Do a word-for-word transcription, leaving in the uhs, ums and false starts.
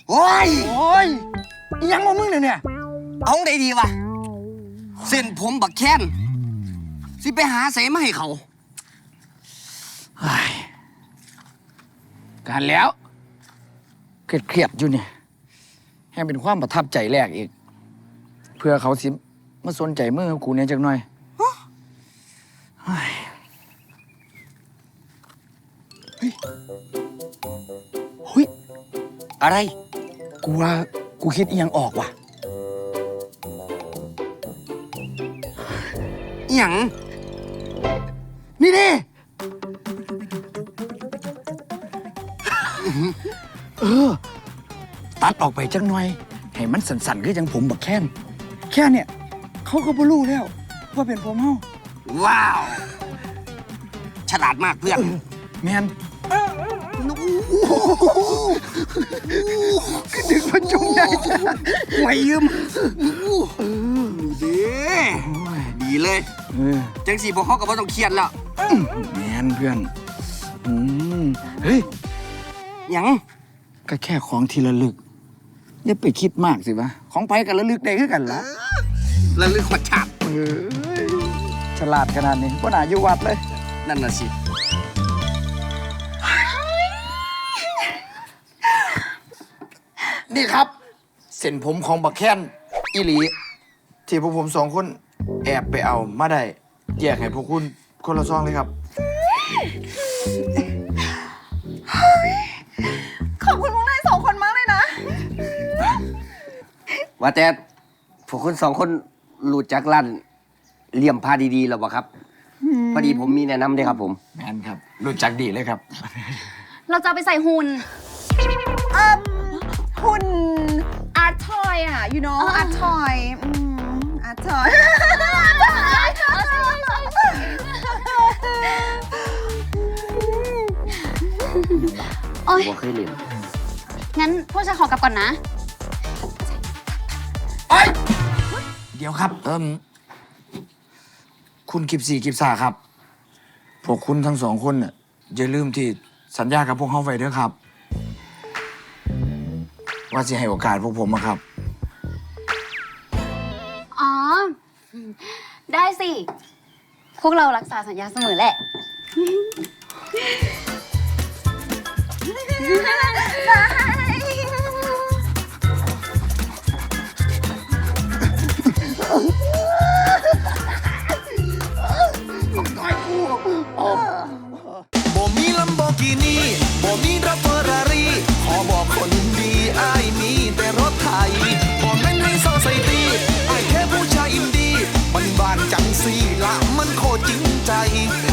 โอ้ยโอ้ยยังมามึงเนี่ยเอาได้ดีวะเส้นผมบักแค้นสิไปหาเสมาให้เขาการแล้วเครียดๆอยู่เนี่ยให้เป็นความประทับใจแรกอีก เพื่อเขาสิมาสนใจมือกูเนี่ยจักหน่อยเฮ้ยเฮ้ยอะไรกูว่ากูคิดอีหยังออกว่ะอหย่างนี่ดิเออ ตัดออกไปจักหน่อย ให้มันสั่นๆคือจังผมบักแค้นแค่เนี่ย เขาก็บ่รู้แล้ว ว่าเป็นผมเฮาว้าว ฉลาดมากเพื่อนแมนดึงมันจุ่มใหญ่จ้ะไว้ยืมดีดีเลยเออจังสีพวกเขาก็บ่ต้องเครียดแล้วแมนเพื่อนอืมเฮ้ยหยังก็แค่ของทีละลึก อย่าไปคิดมากสิวะ ของไปกันละลึกได้คือกันละระลึกหัวฉาบเออฉลาดขนาดนี้ว่าหนาอยู่วัดเลยนั่นน่ะสินี่ครับ เส้นผมของบักแค้นอีหลี ที่พวกผมสองคนแอบไปเอามาได้แยกให้พวกคุณคนละซองเลยครับขอบคุณพวกนายสองคนมากเลยนะว่าแต่พวกคุณสองคนรู้จักร้านเหลี่ยมผ้าดีๆหรอเปล่าครับ พอดีผมมีแนะนำด้วยครับผมแมนครับ รู้จักดีเลยครับเราจะเอาไปใส่หุ่นเอ่มคุณอาร์ทอยอ่ะ you know อ่าอาร์ทอยอืมอาร์ทอยโอ๊ยบ่เคยเล่นงั้นพวกฉันขอกลับก่อนนะเดี๋ยวครับ เอิมคุณกิบสี่กิบสาครับ พวกคุณทั้งสองคนน่ะอย่าลืมที่สัญญากับพวกเขาไว้ด้วยครับ ว่าจะให้โอกาสพวกผมอะครับอ๋อ ได้สิ พวกเรารักษาสัญญาเสมอแหละบ่มีลัมโบกินีบ่มีรถเฟอร์รารี่ขอบอกคนดีอ้ายมีแต่รถไทยบ่แม่นให้โซไซตี้อ้ายแค่ผู้ชายอินดี้มันบานจังสีละมันโคตรจริงใจ